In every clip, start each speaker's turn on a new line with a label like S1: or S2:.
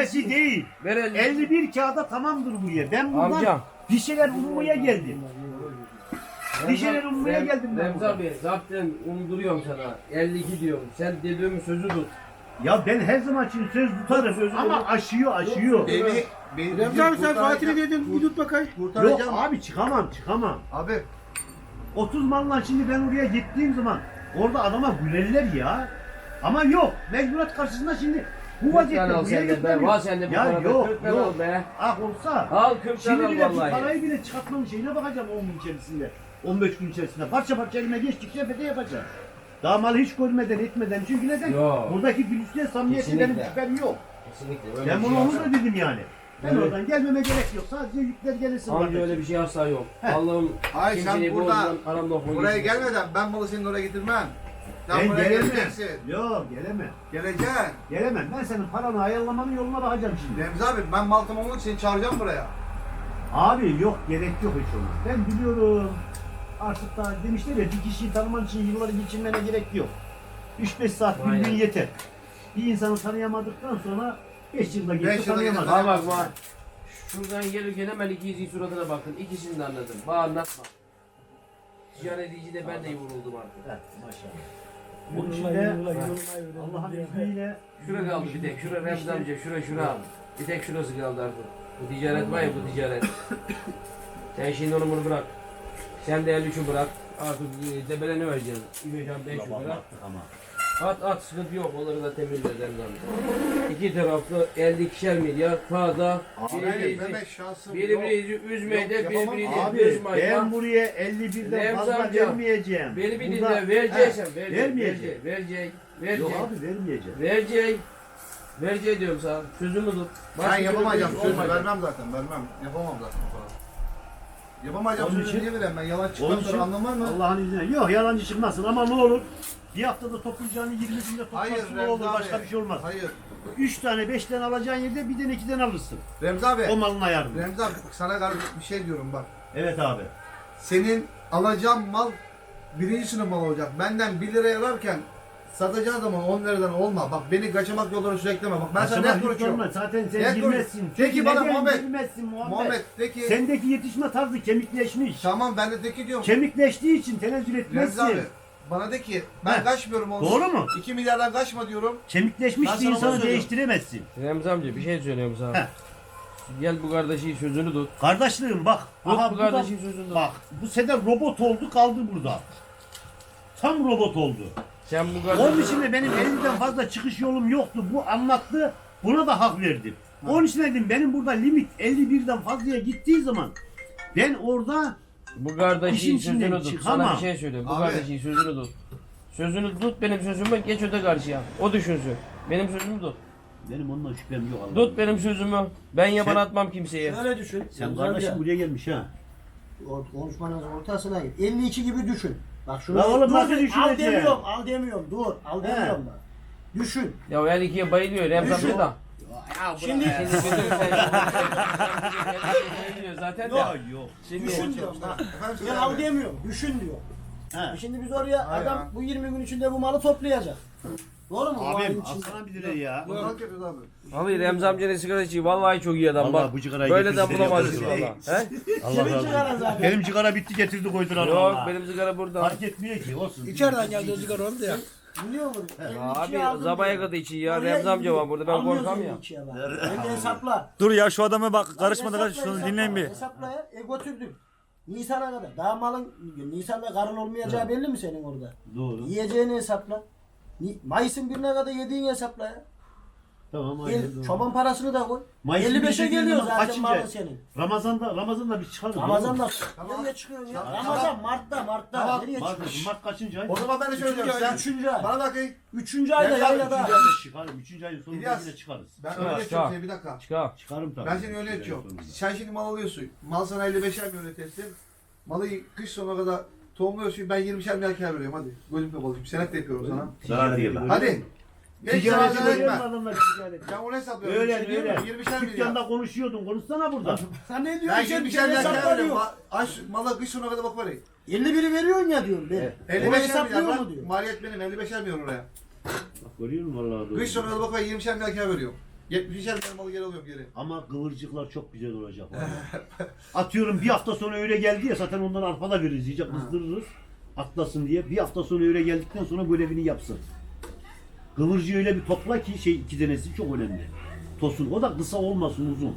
S1: Öylesi değil.
S2: Ver 50.
S1: 51 kağıda tamamdır buraya. Ben buradan
S2: Amcam.
S1: bir şeyler ummaya geldim. Bir şeyler ummaya geldim ben
S2: Remzi
S1: buradan.
S2: abi zaten umduruyorum sana. 52 diyorum. Sen dediğimin sözü tut.
S1: Ya ben her zaman için söz tutarım ama aşıyor.
S3: Remzi abi sen Fatih'i dedin, bir tut bakayım.
S1: Yok abi çıkamam.
S3: Abi
S1: 30 malla şimdi ben oraya gittiğim zaman orada adama gülerler ya. Ama yok. Mecburat karşısında şimdi bu vaziyette
S2: al
S1: buraya
S2: sen de be.
S1: gitmem.
S2: Var sende bu
S1: Ya
S2: parada.
S1: yok
S2: 40 tane al be.
S1: Ah olsa.
S2: Al 40
S1: Şimdi
S2: tane al
S1: bile bu
S2: vallahi.
S1: parayı bile çıkartmanın şeyine bakacağım 10 gün içerisinde. 15 gün içerisinde. Parça parça elime geçtikçe fede yapacağım. Daha malı hiç görmeden etmeden. Çünkü neden?
S2: Yok.
S1: Buradaki gülüşle samimiyeti
S2: Kesinlikle.
S1: benim şüphem yok.
S2: Kesinlikle. Öyle
S1: Ben
S2: bir
S1: bunu
S2: şey
S1: onu da
S2: asla-
S1: dedim yani. Ben
S2: Evet.
S1: oradan gelmeme gerek yok. Sadece yükler gelirsin.
S2: Amca
S1: kardeşim.
S2: öyle bir şey asla yok.
S1: Heh.
S2: Allah'ım
S3: Ay, sen
S2: kimseyi
S3: burada-
S2: bozmadan aramda okuma
S3: buraya
S2: geçmesin.
S3: gelmeden ben malı senin oraya getirmem. Sen
S1: Ben
S3: buraya
S1: gelemem.
S3: geleceksin.
S1: Yok gelemem.
S3: Geleceksin.
S1: Gelemem. Ben senin paranı ayarlamanın yoluna bakacağım şimdi.
S3: Remzi abi ben mal tamamlamak için çağıracağım buraya.
S1: Abi yok gerek yok hiç ona. Ben biliyorum. Artık da demişler ya bir kişiyi tanıman için yılları geçirmene gerek yok. 3-5 saat bir
S2: Aynen.
S1: gün yeter. Bir insanı tanıyamadıktan sonra 5 yılda
S3: Beş
S1: geçti
S3: yılda
S1: tanıyamazsın.
S3: geçti.
S2: Bak bak. Şuradan gelirken hemen ikizin suratına bakın. İkisini de anladım. Bana anlatma. Ticaret edici de ben de vuruldum artık.
S1: Evet, maşallah. Bunun içinde Allah'ın izniyle
S2: Şura kaldı bir tek. Şura Remzi amca. Şura. Bir tek şurası kaldı artık. Bu ticaret var ya bu ticaret. Sen şimdi onu bunu bırak. Sen de 53'ü bırak. Artık debeleni vereceğiz. 3 5 lira.
S1: ama.
S2: At sıkıntı yok. Onları da temizleriz Remzi amca. İki taraflı 52'şer milyar fazla.
S3: Abi Mehmet şansım yok.
S2: Birbirinizi üzmeyi de
S3: Yok, yapamam.
S2: birbirinizi
S1: Abi
S2: üzmeyin.
S1: ben buraya 51'den
S2: Remzi
S1: fazla
S2: amca,
S1: vermeyeceğim.
S2: Beni bir
S1: Burada-
S2: dinle. Vereceksen
S1: Vermeyeceğim.
S2: Verecek.
S1: Yok abi vermeyeceğim.
S2: Verecek diyorum sana. Sözümü tut.
S3: Ben yapamayacağım
S2: türlü
S3: sözü
S2: olmayacak.
S3: vermem zaten vermem. Yapamam zaten o kadar. Yapamayacağım
S1: Onun
S3: sözü
S1: için-
S3: niye vereyim ben yalan
S1: Onun
S3: çıkmaz
S1: için
S3: sonra anlamaz mı?
S1: Allah'ın izniyle. Yok yalancı çıkmasın ama ne olur. Bir haftada toplayacağını 20 günde
S3: Hayır
S1: toplarsın ne
S3: Remzi
S1: olur
S3: abi.
S1: başka bir şey olmaz.
S3: Hayır.
S1: 3 tane 5 tane alacağın yerde bir tane 2 tane alırsın.
S3: Remzi abi.
S1: O malın ayarını.
S3: Remzi abi sana karşı bir şey diyorum bak.
S1: Evet abi.
S3: Senin alacağın mal birinci sınıf mal olacak. Benden 1 liraya alırken satacağın zaman 10 liradan olma. Bak beni kaçamak yolları sürekleme. Bak ben sana
S1: Aşama
S3: net
S1: hiç
S3: konuşuyorum.
S1: olmaz. Zaten sen
S3: Net
S1: girmezsin.
S3: konuş. Peki
S1: Çünkü
S3: bana
S1: neden
S3: Muhammed.
S1: girmezsin Muhammed.
S3: Muhammed de ki
S1: Sendeki yetişme tarzı kemikleşmiş.
S3: tamam ben de ki diyorum.
S1: Kemikleştiği için tenezzül
S3: Remzi
S1: etmezsin.
S3: abi bana de ki ben
S1: Heh.
S3: kaçmıyorum oğlum.
S1: Doğru mu?
S3: 2 milyardan kaçma diyorum.
S1: Kemikleşmiş
S3: Ben
S1: bir
S3: sana onu
S1: insanı
S3: söylüyorum.
S1: değiştiremezsin.
S2: Remzi amca bir şey söylüyorum sana.
S1: Heh.
S2: Gel bu kardeşin sözünü tut.
S1: Kardeşliğim bak.
S2: Tut
S1: aha
S2: bu
S1: bu da-
S2: kardeşin sözünü tut.
S1: Bak bu sefer robot oldu kaldı burada. Tam robot oldu.
S2: Sen bu
S1: Onun
S2: kardeşin...
S1: için de benim elimden fazla çıkış yolum yoktu. Bu anlattı. Buna da hak verdim. Onun için dedim benim burada limit 51'den fazlaya gittiği zaman ben orada
S2: Bu kardeşin
S1: İşin içinden
S2: sözünü tut.
S1: çıkamam.
S2: Sana bir şey söylüyorum. Bu
S3: Abi.
S2: kardeşin sözünü tut. Sözünü tut benim sözümü geç öte karşıya. O düşünsün. Benim sözümü tut.
S1: benim ondan şüphem yok. Allah'ım.
S2: Tut benim sözümü. Ben yaban
S1: Sen-
S2: atmam kimseye.
S4: Öyle düşün.
S1: Sen kardeşim buraya gelmiş ha.
S4: Konuşmanın ortasına git. 52 gibi düşün. Bak şunu
S1: La oğlum,
S4: dur,
S1: nasıl
S4: al
S1: düşüneceksin?
S4: demiyorum, al demiyorum. Dur, al demiyorum bak. Düşün.
S2: Ya o her ikiye bayılıyor. Remzi
S4: Düşün.
S2: amca da.
S4: Şimdi
S2: Şimdi bayılıyor zaten de.
S1: Yok.
S2: Şimdi
S4: düşün diyorum bak.
S3: Efendim
S4: Ben
S3: söyle
S4: al
S3: abi.
S4: demiyorum. Düşün diyor.
S1: He.
S4: Şimdi biz oraya
S3: Hayır
S4: adam
S3: ya.
S4: bu 20 gün içinde bu malı toplayacak. Doğru mu? Bu
S1: Abim
S4: ayın içinde.
S1: alsana bir lira ya.
S3: Pazarlık yapıyoruz abi.
S2: Abi Remzi amcanın sigara içiyor. Vallahi çok iyi adam
S1: Vallahi
S2: bak.
S1: bu sigarayı
S2: Böyle de
S1: getirsin,
S2: bulamazsın
S1: yaparız.
S2: valla. He?
S4: Kimin çıkara zaten?
S1: Benim sigara bitti getirdi koydular
S2: Yok
S1: valla.
S2: benim sigara burada.
S1: Fark etmiyor ki olsun.
S4: İçeriden geldi o sigara oldu ya. Biliyor musun?
S2: Abi zabaya kadar için ya. Remzi amca var burada ben korkam ya.
S4: Ben de hesapla.
S5: Dur ya şu adama bak karışmadan kaç şunu dinleyin bir.
S4: Hesapla ya. Götürdüm. Nisan'a kadar. Daha malın Nisan'da karın olmayacağı belli mi senin orada?
S1: Doğru.
S4: Yiyeceğini hesapla. Mayıs'ın birine kadar yediğini hesapla ya.
S1: Tamam aynen doğru.
S4: Çoban parasını da koy.
S1: Mayıs'ın
S4: 55'e
S1: birine
S4: geliyor
S1: zaman
S4: zaten
S1: kaçıncı
S4: malın
S1: ay?
S4: senin.
S1: Ramazan'da biz çıkarız.
S4: Ramazan'da.
S3: Tamam.
S4: Nereye çıkıyorsun ya?
S3: Tamam.
S4: Ramazan Mart'ta.
S3: Tamam.
S4: Nereye
S1: Mart,
S4: çıkıyorsun?
S1: Mart kaçıncı ay?
S3: O zaman ben de şöyle diyorum. Sen
S4: 3. ay.
S3: bana bakayım.
S4: 3. ayda
S3: Remzi abi,
S4: yaylada.
S1: 3. ayda çıkarım. 3. ayın sonunda
S3: İlyas.
S1: yine çıkarız.
S3: Ben
S2: Çıkar,
S3: öyle
S2: çıkar.
S3: yapıyorum seni bir dakika.
S2: Çıkar.
S1: Çıkarım tabii.
S3: Ben seni öyle yapıyorum. Sen şimdi mal alıyorsun. Mal sana 55'er milyon teslim. Malı kış sonuna kadar tohumluyorsun. Ben 20'şer milyar kâr veriyorum hadi. Gözüm kapalı. Senet de yapıyorum sana.
S1: Zarar değil lan.
S3: Hadi. Geç
S1: Ticareti
S3: sana
S1: görüyor
S3: etme.
S1: musun adamlar ticareti?
S3: Ben onu hesaplıyorum.
S1: Öyle
S3: Bir şey diyorum
S1: öyle.
S3: ya, 20'şer milyar.
S1: Dükkanda konuşuyordun. Konuşsana burada.
S4: Sen ne
S3: Ben
S4: diyorsun?
S3: 20'şer milyar kâr
S4: hesapla
S3: veriyorum.
S4: diyor.
S3: Mala kış sonuna kadar bak parayı.
S4: 51'i veriyorsun ya diyorum ben.
S3: 55'er
S4: Onu hesaplıyor
S3: milyar
S4: mu
S3: lan.
S4: diyor.
S3: Maliyet benim 55'er milyon oraya.
S1: Bak görüyor musun vallahi doğru.
S3: Kış sonuna kadar bak parayı 20'şer milyar kâr veriyorum. 70'er milyar malı geri alıyorum geri.
S1: Ama kıvırcıklar çok güzel olacak. vallahi. Atıyorum bir hafta sonra öyle geldi ya zaten ondan arpa da veririz. İyice kızdırırız. Atlasın diye. Bir hafta sonra öyle geldikten sonra görevini yapsın. Kıvırcığı öyle bir topla ki iki tanesi çok önemli. Tosun. O da kısa olmasın uzun.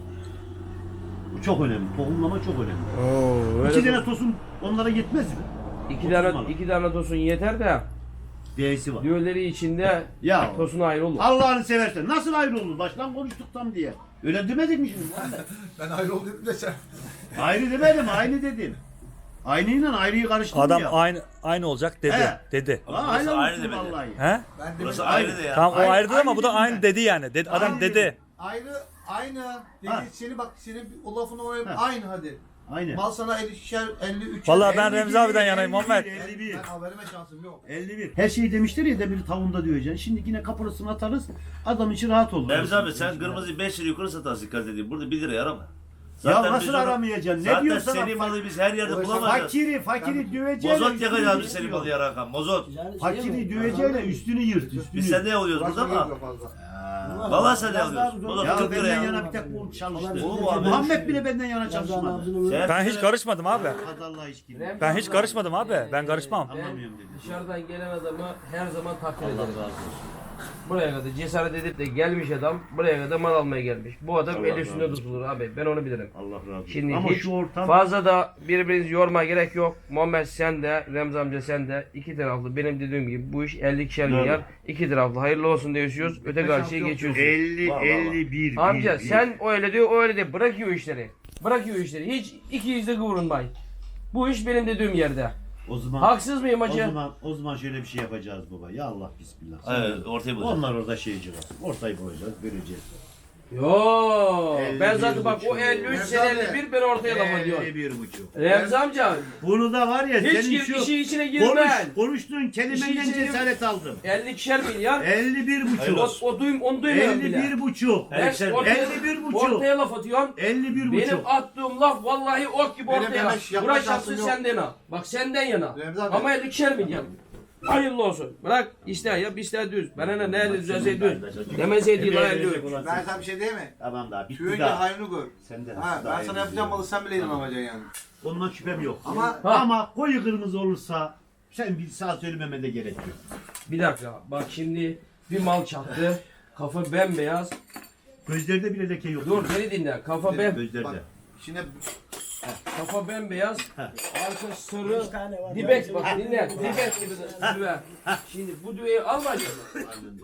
S1: Bu çok önemli. Tohumlama çok önemli.
S2: Oo,
S1: İki tane tosun onlara yetmez mi?
S2: iki tane tosun yeter de
S1: D'si var.
S2: diğerleri içinde
S1: Ya
S2: tosun ayrı olur.
S1: Allah'ını seversen nasıl ayrı olur? Baştan konuştuk tam diye. Öyle demedik mi şimdi? Muhammed?
S3: Ben ayrı ol dedim de sen.
S1: Ayrı demedim, aynı dedim. Aynıyla ayrıyı karıştırdım
S5: Adam
S1: ya.
S5: aynı olacak dedi.
S1: He.
S5: Dedi.
S1: Ha,
S6: Burası
S1: helal
S6: ayrı
S1: olsun
S6: demedi.
S1: vallahi.
S5: He?
S3: Ben
S6: Burası
S3: dedim
S6: ayrı de ya.
S5: Tamam o
S1: Aynı-
S5: ayrı ama bu da
S1: aynı
S5: aynı
S1: dedim ben.
S5: dedi yani. Adam
S1: Aynı
S5: dedi.
S1: dedim.
S3: aynı dedi
S1: Ha.
S3: seni bak senin o lafını oynayıp
S1: Ha.
S3: aynı hadi.
S1: Aynen.
S3: Mal sana 50'şer 53.
S5: Vallahi ben
S1: 51,
S5: Remzi abiden yanayım
S1: 51,
S5: Muhammed.
S1: 51.
S3: Ben haberime şansım yok.
S1: 51. Her şeyi demişler ya da bir tavunda diyeceksin. Şimdi yine kaporasını atarız. Adam için rahat olur.
S6: Remzi abi sen kırmızıyı 5 lira yukarı satarsın dikkat edin. Burada 1 liraya arama.
S1: Ya
S6: biz
S1: nasıl
S6: onu-
S1: aramayacaksın? Ne
S6: Zaten
S1: diyorsun?
S6: seri malı biz her yerde
S3: Uğraşamam.
S6: bulamayacağız.
S1: Fakiri döveceğiyle
S6: Mozot yakacağız biz
S1: üstünü
S6: seri malı yarakan. Mozot.
S1: Fakiri döveceğiyle üstünü yırt. Üstünü.
S6: Biz sende alıyoruz burada
S3: Uğraşmaya
S6: ama.
S3: yok fazla.
S6: Vallahi sende alıyoruz. Mozot
S1: Ya
S6: 40
S1: benden
S6: liraya.
S1: yana bir tek bu çalıştı.
S6: Olur mu abi?
S1: Muhammed bile benden yana çalışmadı.
S6: Sen-
S5: Ben hiç karışmadım abi.
S1: Kadınla hiç gibi.
S5: Ben hiç karışmadım abi. Ben karışmam.
S1: Anlamıyorum dedi.
S2: Dışarıdan gelen adamı her zaman takdir ederim. Buraya kadar cesaret edip de gelmiş adam buraya kadar mal almaya gelmiş. Bu adam
S1: Allah
S2: el
S1: razı
S2: üstünde
S1: olsun.
S2: tutulur abi. Ben onu bilirim.
S1: Allah razı olsun.
S2: Şimdi
S1: Ama
S2: hiç
S1: şu ortam
S2: fazla da birbirinizi yormaya gerek yok. Muhammed sen de, Remzi amca sen de iki taraflı benim dediğim gibi bu iş 50'şer milyar iki taraflı hayırlı olsun diyorsunuz. Öte karşıya geçiyorsunuz.
S1: 50
S6: Var, var, var.
S1: 51.
S2: Amca
S1: bir.
S2: sen öyle diyor o öyle diyor. Bırakıyor işleri. Bırakıyor işleri. Hiç iki yüzde kıvırınmayın. Bu iş benim dediğim yerde.
S1: O zaman
S2: Haksız mıyım hacı?
S1: o zaman şöyle bir şey yapacağız baba. Ya Allah bismillah.
S6: Evet ortaya bulacağız.
S1: Onlar orada şeyci var. Ortayı koyacağız, vereceğiz.
S2: Yo,
S1: 51
S2: ben zaten bak o
S1: buçuk.
S2: 53
S3: Remzi
S2: sen
S3: abi.
S2: 51 ben ortaya laf ediyorum.
S1: 51,5.
S2: Remzi amca
S1: Bunu da var ya
S2: hiç
S1: senin
S2: gir,
S1: şu
S2: işin içine girme.
S1: konuştuğun kelimenden
S2: İşin içine-
S1: cesaret aldım.
S2: 52'şer milyar.
S1: 51,5.
S2: Onu duymuyorum bile.
S1: 51,5.
S2: Ben
S6: 51,5.
S2: ortaya,
S1: 51,5.
S2: ortaya laf atıyorsun.
S1: 51,5.
S2: Benim attığım laf vallahi ok gibi
S3: Benim
S2: ortaya.
S3: yanlış yapma
S2: Burası
S3: şansım
S2: şahsı
S3: yok.
S2: senden ha. Bak senden yana.
S3: Remzi abi.
S2: Ama 52'şer milyar. Hayırlı olsun. Bırak ister yap ister düz. Bana ne nerede düzelse düz. Demeseydi lan düz.
S3: Ben sana bir şey diyeyim mi?
S1: Tamam daha bitti
S3: Tüyünce
S1: daha.
S3: hayrını gör.
S1: Sen de
S3: Ha, ben sana yapacağım malı sen bile inanamayacaksın yani.
S1: Ondan şüphem yok.
S3: Ama
S1: Ama koyu kırmızı olursa sen bir saat söylememe de gerek yok.
S2: Bir dakika. Bak şimdi bir mal çaktı. Kafa bembeyaz.
S1: Gözlerde bile leke yok.
S2: Dur beni dinle.
S1: Gözlerde.
S3: bak şimdi
S2: Kafa bembeyaz.
S1: Heh.
S2: Arka sarı.
S4: 5 tane var.
S2: Dibek bak dinle. Dibek gibi de düve. Şimdi bu düveyi alma canım.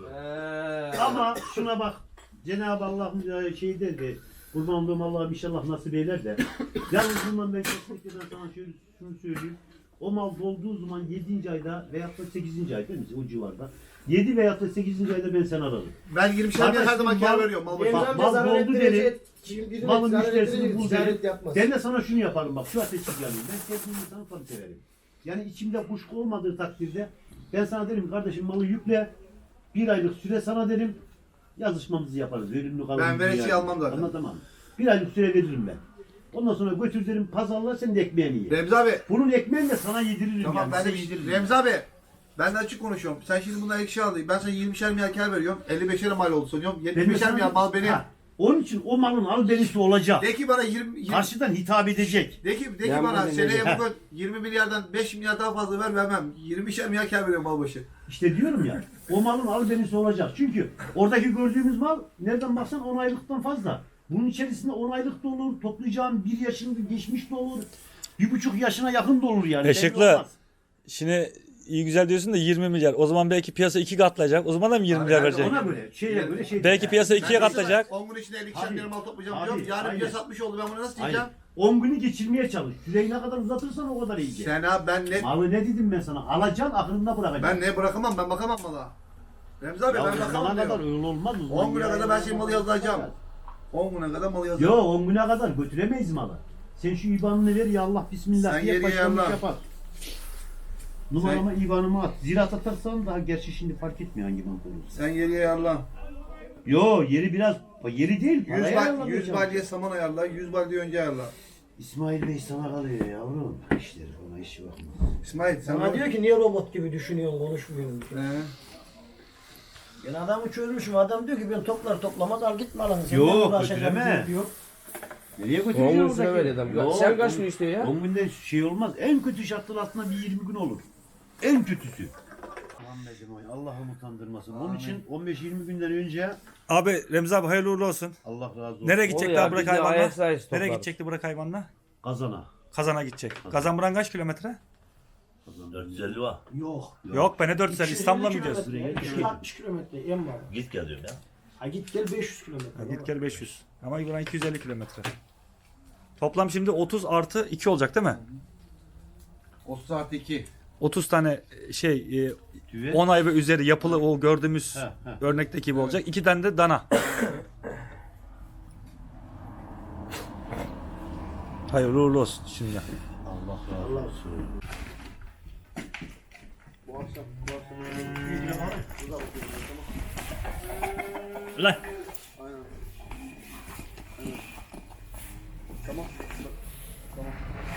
S1: Ama şuna bak. Cenab-ı Allah şey dedi. Kurban olduğum Allah'ım inşallah nasip eyler de. Yalnız bundan ben kesinlikle ben sana şunu söyleyeyim. O mal dolduğu zaman 7. ayda veyahut da 8. ayda değil mi? O civarda. 7 veyahut da 8. ayda ben seni ararım.
S3: ben 20'şer milyar her zaman kâr veriyorum mal
S4: Remzi
S3: başına.
S1: Bak,
S4: amca
S1: mal
S4: zarar
S1: doldu
S4: ettirecek.
S1: dedi.
S4: Birine
S1: Malın
S4: zarar
S1: müşterisini
S4: ettirecek,
S1: bul
S4: ticaret
S1: dedi.
S4: yapmaz.
S1: Ben de sana şunu yaparım bak şu ateşi yanayım. Ben kendimi sana tabii severim. Yani içimde kuşku olmadığı takdirde ben sana derim kardeşim malı yükle. 1 aylık süre sana derim. Yazışmamızı yaparız. Verimli kalır.
S3: Ben veresiye almam zaten.
S1: Anlatamam. 1 aylık süre veririm ben. Ondan sonra götür derim pazarla sen de ekmeğini ye.
S3: Remzi abi.
S1: Bunun ekmeğini de sana yediririm
S3: Tamam
S1: yani.
S3: ben de
S1: size yediririm.
S3: Remzi abi. Ben de açık konuşuyorum. Sen şimdi bundan ekşi aldın. Ben sana 20'şer milyar kâr veriyorum. 55'er mal oldu sanıyorum.
S1: Ben de
S3: 75'er
S1: sana-
S3: milyar mal benim.
S1: Ha, onun için o malın albenisi olacak.
S3: De ki bana 20
S1: Karşıdan hitap edecek.
S3: de ki
S2: Ben
S3: bana
S2: bunu
S3: seneye
S2: dinleyeceğim.
S3: bugün 20 milyardan 5 milyar daha fazla vermem. 20'şer milyar kâr veriyorum mal başı.
S1: İşte diyorum ya, o malın albenisi olacak. Çünkü oradaki gördüğümüz mal nereden baksan 10 aylıktan fazla. Bunun içerisinde 10 aylık da olur, toplayacağım 1 yaşında geçmiş de olur, 1,5 yaşına yakın da olur yani. belli
S5: Işıklı.
S1: olmaz.
S5: Şimdi iyi güzel diyorsun da 20 milyar. O zaman belki piyasa 2 katlayacak. O zaman da mı 20 milyar
S3: ben de
S5: verecek?
S1: Ona göre, şeye göre şey.
S5: Belki piyasa 2'ye katlayacak.
S3: 10 gün içinde 50'şer
S1: Abi,
S3: milyar mal toplayacağım
S1: abi,
S3: diyorum. Yarın
S1: aynen.
S3: bir satmış oldu. Ben bunu nasıl
S1: Aynen.
S3: diyeceğim?
S1: 10 günü geçirmeye çalış. Süreyi ne kadar uzatırsan o kadar iyi.
S3: Sen abi ben ne
S1: Malı ne dedim ben sana? Alacaksın aklında bırakacaksın.
S3: ben ne bırakamam ben bakamam mala. Remzi abi
S1: Ya
S3: ben
S1: o
S3: bakamam
S1: zamana kadar
S3: diyor.
S1: öyle olmaz.
S3: 10 güne kadar ben senin malı yazacağım. 10 güne kadar malı yazacağım.
S1: Yo 10 güne kadar götüremeyiz malı. Sen şu IBAN'ını ver ya Allah bismillah
S3: Sen
S1: diye
S3: geriye
S1: başlamış
S3: yallah.
S1: yapar. Numarama IBAN'ımı at. Ziraat atarsan daha gerçi şimdi fark etmiyor hangi banka olursa.
S3: Sen geriye ayarla.
S1: Yo yeri biraz yeri değil.
S3: 100
S1: paraya
S3: bal,
S1: ayarlanacak.
S3: 100 balya saman ayarla, 100 balya önce ayarla.
S1: İsmail Bey sana kalıyor yavrum. İşleri ona işi bakma.
S3: İsmail sen
S4: Sana diyor ki niye robot gibi düşünüyorsun, konuşmuyorsun. Ben adamı çözmüşüm. Adam diyor ki ben toplamaz al git malını. Sen
S1: Yok,
S4: ne uğraşacaksın
S1: götüreme.
S4: diyor.
S1: Nereye
S2: 10
S1: götüreceğim
S2: gün süre veriyor adam.
S1: Yok,
S2: Sen kaç gün istiyor ya?
S1: 10 günde şey olmaz. En kötü şartlar aslında bir 20 gün olur. En kötüsü. Allah'ım utandırmasın. Onun için 15-20 günden önce
S5: Abi Remzi abi hayırlı uğurlu olsun.
S1: Allah razı olsun.
S5: Nereye gidecek
S2: Oluyor
S5: daha
S2: ya,
S5: Burak
S2: biz de
S5: hayvanla?
S2: ayakta
S5: Nereye
S2: toplarız.
S5: gidecekti Burak hayvanla?
S1: Kazana.
S5: Kazan'a gidecek. Kazan buran kaç kilometre?
S6: 450 var.
S4: Yok.
S5: Yok be ne 450 İstanbul'a mı gidiyorsun?
S4: kilometre, 260 kilometre en var.
S6: Git gel diyorum ya.
S4: Ha git gel 500 kilometre.
S5: Ha, git gel 500. Ama buran 250 kilometre. Toplam şimdi 30 artı 2 olacak değil mi?
S3: 30 artı 2.
S5: 30 tane şey
S1: Tüve.
S5: 10 ay ve üzeri yapılı o gördüğümüz
S1: He,
S5: örnekteki gibi olacak. 2 tane de dana. Hayırlı uğurlu olsun şimdi.
S1: Allah razı olsun.
S3: Bu akşam.
S5: Lan.
S3: Aynen. Tamam. Tamam.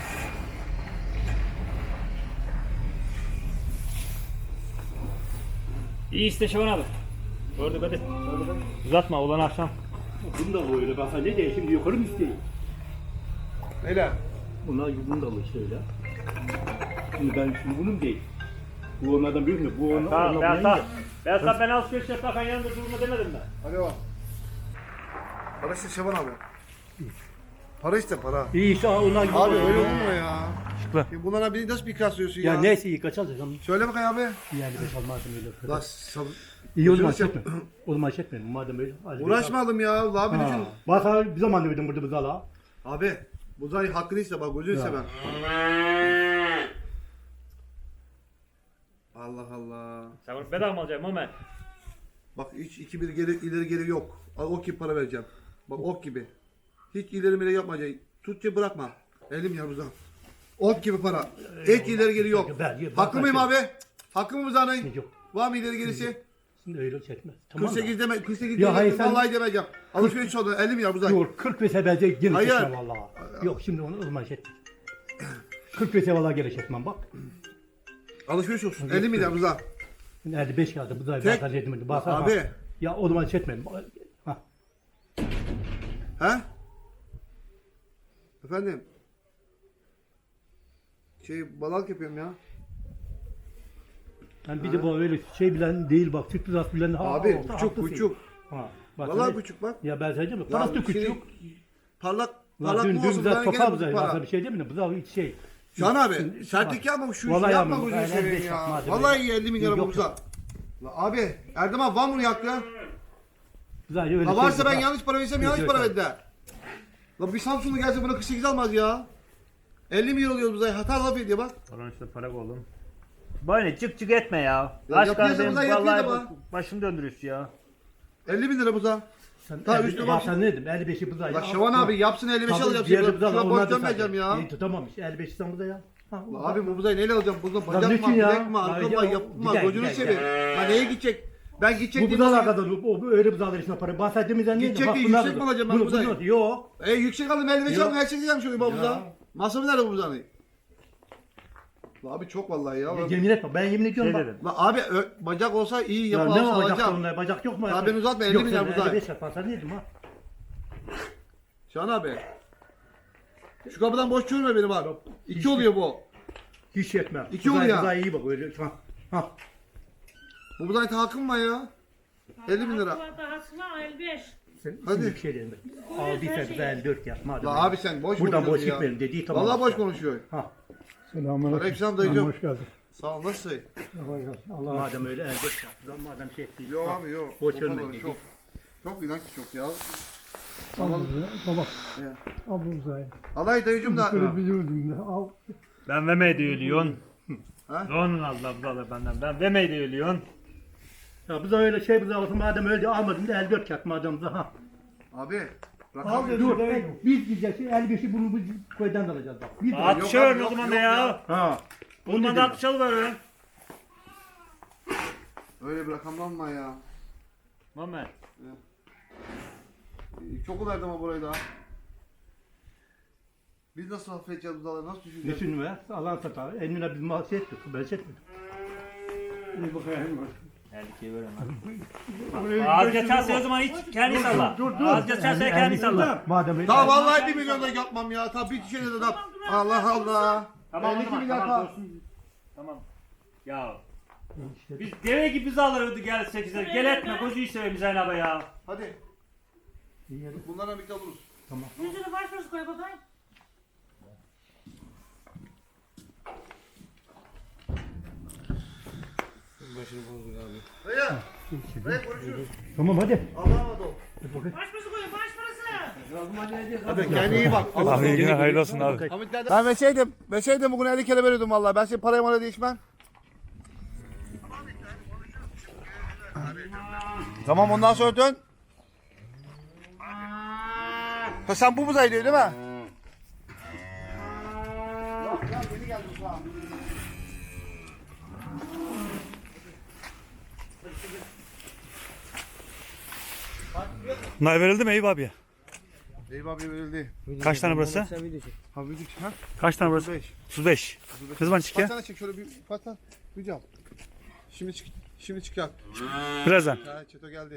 S7: İyi işte Şaban abi. Gördük hadi. Uzatma olan akşam.
S8: Bunu da öyle bak ne de şimdi yukarı mı isteyeyim?
S3: Neyle?
S8: Bunlar bunu da alır işte öyle. Şimdi ben şimdi bunun değil. Bu onlardan büyük mü? Bu onlar
S7: Tamam
S8: bunlar
S7: ben sana ben alışveriş yaparken yanında durma demedim ben.
S3: Alo. Para işte Şaban abi. Para işte para.
S8: İyi işte onlar gibi.
S3: Abi öyle olur mu ya?
S5: Şıkla.
S3: Ya bunlara bir nasıl bir kıyaslıyorsun ya?
S8: Ya neyse iyi kaç alacağım.
S3: Söyle bakayım abi.
S8: Yani beş almazsın öyle.
S3: La
S8: İyi o zaman
S3: Gözünü
S8: çekme. O zaman çekmeyelim madem öyle. Hadi
S3: uğraşmayalım ya. Abi
S8: Ha.
S3: düşün.
S8: Bak abi bir zaman demedim burada buzala.
S3: Abi bu zaten hakkını iste bak gözünü
S8: Ya.
S3: seveyim. Allah Allah.
S7: Sen bunu bedava mı alacaksın Mehmet?
S3: Bak hiç 2-1 ileri geri yok. Al ok gibi para vereceğim. Bak ok gibi. Hiç ileri ileri yapmayacaksın. Tutça bırakma. Elim yanımıza. Ok gibi para. Hiç ileri geri yok. Haklı mıyım abi? Hakkı mı Buzağ'ın?
S8: Yok.
S3: Var mı ileri gerisi?
S8: Şimdi öyle çekme. Tamam
S3: 48 deme, 48
S8: Ya
S3: deme,
S8: hayır, sen-
S3: vallahi demeyeceğim. Alışveriş oldu, 50 milyar Buzağ.
S8: Yok 40 vese bence gene
S3: Hayır.
S8: çekmem vallahi. Yok şimdi onu o zaman çekme. 40 vese vallahi gene çekmem bak.
S3: Alışveriş olsun, 50 milyar Buzağ.
S8: Nerede 5 kağıdı bu da
S3: Tek-
S8: bazen dedim. Bazen
S3: Abi.
S8: Ya o zaman çekmem. Ha.
S3: He? Efendim? Balık yapıyorum ya.
S8: Yani bir de bu öyle şey bilen değil bak. Süt rüzası bilen.
S3: Abi,
S8: orta
S3: küçük,
S8: haklısın.
S3: küçük.
S8: Ha. Bak,
S3: Vallahi
S8: hani-
S3: küçük bak.
S8: Ya ben söyleyeceğim mi?
S3: Ya
S8: Parası da
S3: şimdi
S8: küçük.
S3: Parlak,
S8: Lan
S3: parlak
S8: dün
S3: mı olsun?
S8: güzel
S3: Ben
S8: topal
S3: gene
S8: bize.
S3: bu para.
S8: Bir şey değil mi? Bu da hiç şey.
S3: Can abi, sertlik yapma şu işi
S8: Vallahi
S3: yapma
S8: yapmam.
S3: gözünü
S8: Aynen,
S3: seveyim
S8: beş yapma,
S3: ya.
S8: hadi
S3: Vallahi
S8: be.
S3: iyi 50 milyar
S8: Yok,
S3: Buzağ. La abi, Erdem abi var mı yaktı?
S8: Güzel öyle
S3: La
S8: şey
S3: varsa
S8: yok.
S3: ben yanlış para versem yanlış
S8: Yok,
S3: para
S8: yok.
S3: verdiler. La bir Samsunlu gelse buna 48 almaz ya. 50 milyon oluyoruz Buzağ. Hata laf ediyor bak.
S7: Olan işte para oğlum. Böyle çık çık etme ya.
S3: Ya
S7: Aşk
S3: yapıyorsa
S7: benim
S3: bundan yapıyor da
S7: vallahi
S3: bak.
S7: başım döndürüyorsun ya.
S3: 50 bin lira Buzağ.
S8: Sen
S3: Ta
S8: 50
S3: üstüne
S8: bak
S3: bak.
S8: sen ne dedim? 55'i buza.
S3: La Şaban abi yapsın 55 alacağım. Şuna borç dönmeyeceğim ya.
S8: Tutamamış. 55 sen buza ya. Ha,
S3: La abi bu Buzağ'ı neyle alacağım? Buzağ
S8: Lan
S3: bacak
S8: niçin
S3: mı,
S8: ya?
S3: bilek mi, arka
S8: Ya,
S3: mı, yapma,
S8: gider,
S3: gözünü
S8: gider,
S3: seveyim. La neye gidecek? Ben gidecek
S8: bu
S3: diye
S8: buzalar
S3: nasıl-
S8: kadar o öyle buzalar içine para. Bahsettiğimizden neydi?
S3: Gidecek
S8: Bak
S3: diye
S8: bunlar
S3: yüksek
S8: da-
S3: mi alacağım ben
S8: bunu-
S3: buzayı?
S8: bunu- Yok.
S3: Yüksek aldım 55
S8: Yok.
S3: aldım her şey diyeceğim şöyle bu Buzağ. Masrafı nerede bu Buzağ'ın? La abi çok vallahi ya.
S8: Yemin etme. Ben yemin ediyorum
S7: Şey
S8: bak.
S7: dedim.
S3: La abi bacak olsa iyi
S8: Ya
S3: yapı
S8: ne
S3: alsa
S8: var bacak
S3: alacağım.
S8: sonunda? Bacak yok mu?
S3: Ya ben uzatma, 50
S8: Yok,
S3: milyar
S8: sen
S3: buzağı.
S8: 55 yaparsan neydim ha?
S3: Şahan abi. Şu kapıdan boş çürüme benim abi. 2 oluyor bu.
S8: Hiç yetmez.
S3: İki
S8: Buzağı-
S3: oluyor.
S8: buzağı iyi bak öyle. Ha.
S3: Bu Buzağ'ın hakkım var ya. 50 bin lira.
S9: Dahasına 55.
S8: Sen
S3: Hadi.
S8: şimdi bir şey dedim. Aldıysa bize 54 yap. Madem
S3: La
S8: öyle.
S3: abi sen boş
S8: Buradan boş
S3: konuşuyorsun ya.
S8: gitmeyelim dediği tamam.
S3: Vallahi boş konuşuyor.
S8: Ha.
S3: Aleykümselam dayıcım.
S8: Hoş geldin.
S3: Sağ ol nasılsın?
S8: Madem öyle 54 yap. Madem şey değil.
S3: Yok
S8: Ha.
S3: abi yok.
S8: Boş
S3: O
S8: verme
S3: kadar
S8: dedi.
S3: çok. Çok inanç çok ya.
S10: Baba.
S3: Ya.
S10: Al bu uzayı.
S3: Alay dayıcım da.
S10: Böyle biliyordum da al.
S7: Ben vermeyi de ölüyorsun.
S3: Ha?
S7: Onun Allah buzalar benden. Ben vermeyi de ölüyorsun.
S8: Ya bize öyle şey bize olsun madem öyle almadım da 54 yap madem da ha.
S3: Abi.
S10: Al
S3: Rakam
S10: dedim.
S8: Dur biz gideceğiz 55'i bunu bu köyden de alacağız bak. Biz de-
S7: At
S3: yok
S7: şöyle
S3: abi,
S7: o
S3: yok,
S7: zaman
S3: yok
S7: da ya.
S3: ya.
S8: Ha.
S7: Bundan da 60 alıverin.
S3: Öyle bir rakamdan mı ya?
S7: Mehmet.
S3: Çok verdim ama burayı da. Biz nasıl affedeceğiz buzaları? Nasıl düşüneceğiz?
S8: Düşünme. Alan satar. Eline biz mal şey ettik. Ben şey etmedim.
S10: İyi bakayım.
S7: 52'ye veremem. Az geçerse o zaman hiç kendi salla. Az geçerse kendi salla.
S10: Madem
S3: Daha vallahi 1 milyonda yapmam ya. Tabii bir şeyle de Allah Allah.
S7: Tamam,
S3: 52
S7: tamam,
S3: milyar
S7: tamam,
S3: daha.
S7: dursun. Tamam. Ya. Biz deve gibi biz alırdık gel 8'e. Gel etme gözü seveyim Zeynep abi ya.
S3: Hadi. Bunlarla birlikte buluruz.
S9: Yüzünü baş baş koy bakayım.
S2: Başını bozduk abi.
S3: Dayı. Dayı konuşuruz.
S10: Tamam hadi.
S3: Allah'a emanet ol.
S9: Baş başı koyun baş parası.
S3: Hadi kendine iyi bak.
S5: Abi yine hayırlı olsun abi.
S3: Ben verseydim bugün 50 kere veriyordum vallahi. Ben senin parayı bana değişmem. Tamam ondan sonra dön. Ha sen bu buzağı diyor değil mi? Yok ya yeni geldi buzağı.
S5: Bunlar verildi mi Eyüp abiye?
S3: Eyüp abi verildi.
S5: Kaç tane burası?
S3: Ha bildik ha?
S5: Kaç tane burası?
S3: 5.
S5: 35. Ne zaman
S3: Kaç
S5: çıkıyor?
S3: tane çek şöyle bir kaç tane video al. Şimdi çıkar.
S5: Birazdan.
S3: Ha Çeto geldi.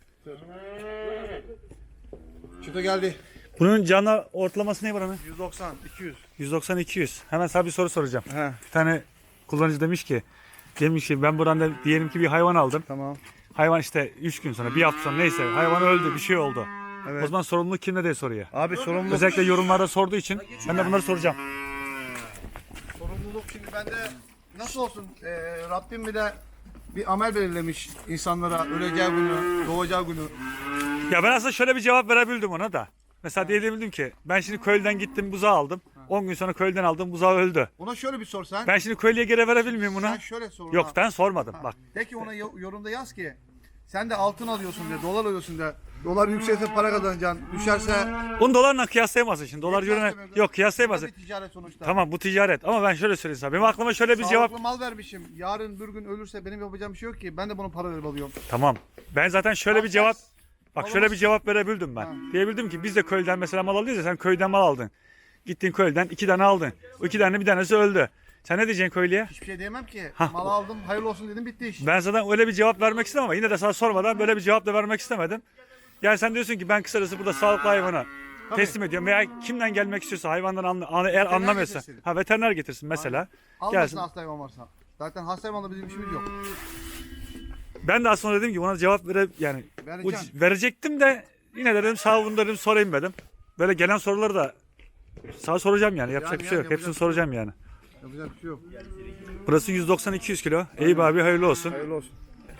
S3: Çeto geldi.
S5: Bunun canlı ortalaması ne buranın?
S3: 190, 200.
S5: 190-200. Hemen sana bir soru soracağım.
S3: He.
S5: Bir tane kullanıcı demiş ki ben buradan da diyelim ki bir hayvan aldım.
S3: Tamam.
S5: Hayvan işte 3 gün sonra, bir hafta sonra neyse hayvan öldü, bir şey oldu.
S3: Evet.
S5: O zaman sorumluluk kimde diye soruyor.
S3: Abi sorumluluk.
S5: Özellikle yorumlarda sorduğu için ben de bunları soracağım.
S3: Sorumluluk şimdi bende nasıl olsun? Rabbim bir de bir amel belirlemiş insanlara öleceği günü, doğacağı günü.
S5: Ya ben aslında şöyle bir cevap verebildim ona da. Mesela diyebildim ki ben şimdi köylüden gittim buzağı aldım. 10 gün sonra köylüden aldım buzağı öldü.
S3: Ona şöyle bir sor sen.
S5: Ben şimdi köylüye geri verebilir miyim
S3: Sen
S5: buna?
S3: şöyle sor.
S5: Yok
S3: ona.
S5: ben sormadım bak.
S3: De ki ona yorumda yaz ki sen de altın alıyorsun de, dolar alıyorsun de. Dolar yükselse para kazanacaksın. Düşerse
S5: Bunu dolarla kıyaslayamazsın şimdi. Dolar yönüne
S3: kıyaslamıyorum.
S5: yok
S3: Bu
S5: kıyaslayamazsın.
S3: da bir ticaret sonuçta.
S5: Tamam bu ticaret ama ben şöyle söyleyeyim sana. Benim aklıma şöyle bir cevap.
S3: Sağlıklı mal vermişim. Yarın bir gün ölürse benim yapacağım bir şey yok ki. Ben de bunun para verip alıyorum.
S5: Tamam. Ben zaten şöyle bir cevap bak şöyle bir cevap verebildim ben.
S3: Ha.
S5: Diyebildim ki biz de köyden mesela mal alıyoruz ya sen köyden mal aldın. Gittin köyden 2 tane aldın. O 2 tane bir tanesi öldü. Sen ne diyeceksin köylüye?
S3: Hiçbir şey diyemem ki.
S5: Hah.
S3: Mal aldım, hayırlı olsun dedim, bitti iş.
S5: Ben zaten öyle bir cevap vermek istemem ama yine de sana sormadan böyle bir cevap da vermek istemedim. Yani sen diyorsun ki ben kısacası burada sağlıklı hayvana teslim ediyorum veya kimden gelmek istiyorsa hayvandan eğer anlamıyorsa
S3: getirsin.
S5: veteriner getirsin mesela.
S3: Almasın
S5: Gelsin.
S3: hasta hayvan varsa. Zaten hasta hayvanla bizim işimiz yok.
S5: Ben de aslında dedim ki ona cevap
S3: Vereceğim.
S5: verecektim de yine de dedim sağ olun dedim sorayım dedim. Böyle gelen soruları da sana soracağım yani yapacak bir şey yok.
S3: yapacak
S5: Hepsini
S3: bir şey
S5: soracağım yani.
S3: Yapacak bir şey yok.
S5: Burası 190-200 kilo. Eyüp abi hayırlı olsun.
S3: Hayırlı olsun.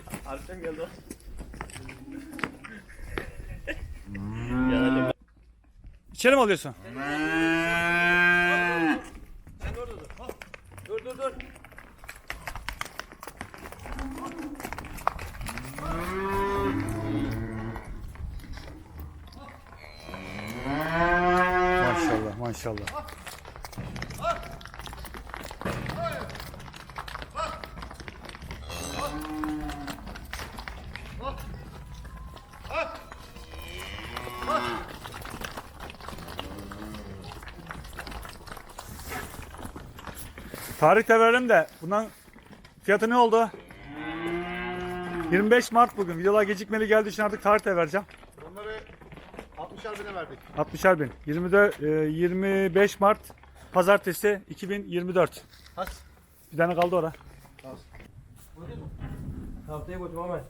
S5: İçeri mi alıyorsun?
S2: Dur.
S5: Maşallah maşallah. Tarih de verelim de bundan fiyatı ne oldu? 25 Mart bugün. Videolar gecikmeli geldiği için artık tarih de vereceğim.
S3: Onları 60'ar bine verdik.
S5: 60'er bin. 25 Mart Pazartesi 2024.
S3: Has.
S5: Bir tane kaldı orada.
S2: Haftaya götür Ahmet.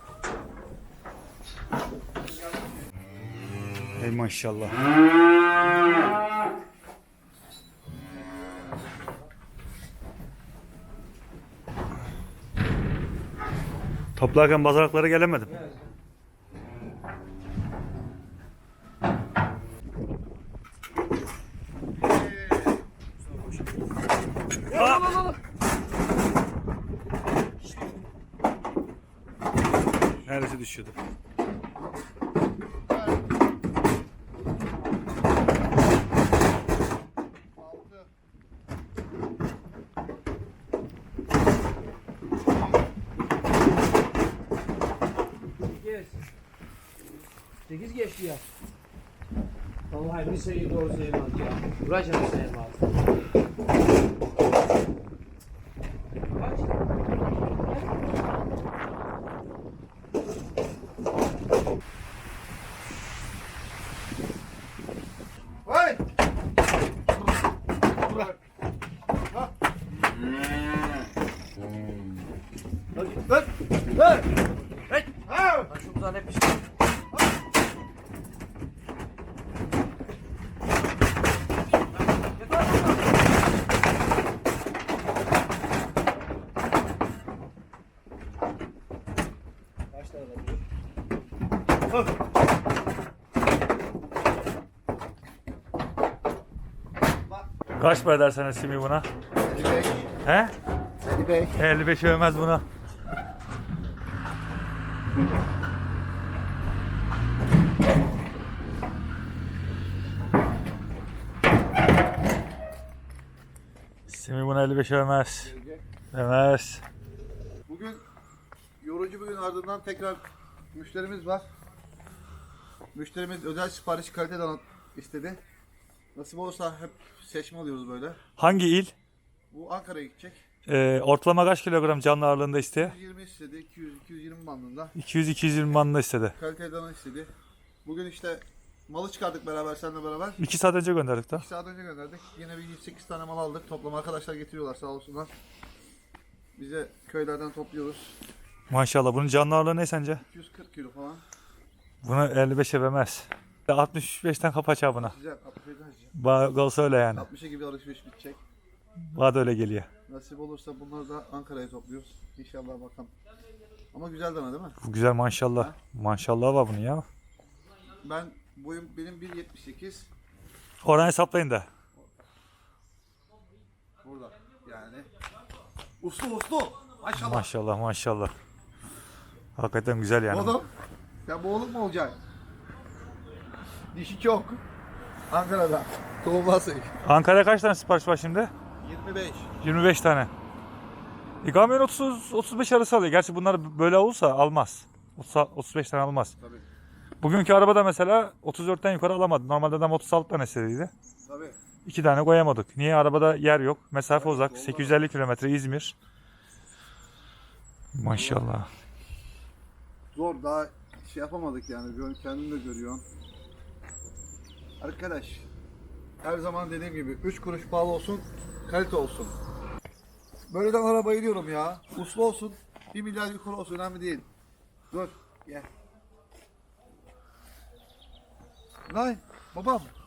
S5: Ey maşallah. Toplarken bazaraklara gelemedim. Neresi düşüyordu?
S2: Geç. 8 geçti ya. Vallahi bir sayı doğru sayılmaz ya. Uğraşalım sayılmaz. Kaç?
S5: Kaç para ederseniz Simi buna?
S3: 55.
S5: He?
S3: 55.
S5: 55 övmez buna. Simi buna 55 övmez. Övmez.
S3: Bugün yorucu bir gün ardından tekrar müşterimiz var. Müşterimiz özel sipariş kaliteden istedi. Nasip olursa hep seçme alıyoruz böyle.
S5: Hangi il?
S3: Bu Ankara'ya gidecek.
S5: Ortalama kaç kilogram canlı ağırlığında isteği?
S3: 120 istedi, 200-220 bandında.
S5: 200-220 bandında istedi.
S3: Kaliteden istedi. Bugün işte malı çıkardık beraber, seninle beraber.
S5: 2 saat önce gönderdik de.
S3: 2 saat önce gönderdik. Yine bir 108 tane mal aldık. Toplam arkadaşlar getiriyorlar sağ olsunlar. Bize köylerden topluyoruz.
S5: Maşallah. Bunun canlı ağırlığı ne sence?
S3: 240 kilo falan.
S5: Bunu 55 övmez. 65'ten kapaça buna.
S3: Güzel. 67 harcayacağım.
S5: Olsa öyle yani.
S3: 60'a gibi alışveriş bitecek.
S5: Bana da öyle geliyor.
S3: Nasip olursa bunları da Ankara'ya topluyoruz. İnşallah bakalım. Ama güzel dana değil mi?
S5: Bu güzel maşallah. Maşallah var bunun ya.
S3: Benim 1.78.
S5: Oradan hesaplayın da.
S3: Burada yani. Uslu. Maşallah.
S5: Maşallah maşallah. Hakikaten güzel yani.
S3: Oğlum. Sen bu oğlum mu olacaksın? Dişi çok. Ankara'da. Tohumlasın.
S5: Ankara'ya kaç tane sipariş var şimdi?
S3: 25.
S5: 25 tane. Kamyon 30-35 arası alıyor. Gerçi bunlar böyle olursa almaz. 35 tane almaz.
S3: Tabii.
S5: Bugünkü arabada mesela 34'ten yukarı alamadı. Normalde adam 36 tane istediydi.
S3: Tabii.
S5: 2 tane koyamadık. Niye? Arabada yer yok. Mesafe uzak. 850 kilometre İzmir. Maşallah.
S3: Zor, daha şey yapamadık yani. Kendin de görüyorsun. Arkadaş, her zaman dediğim gibi 3 kuruş pahalı olsun, kalite olsun. Böyleden arabayı diyorum ya. Uslu olsun, 1 milyar yukarı olsun, önemli değil. Dur, gel. Lan babam,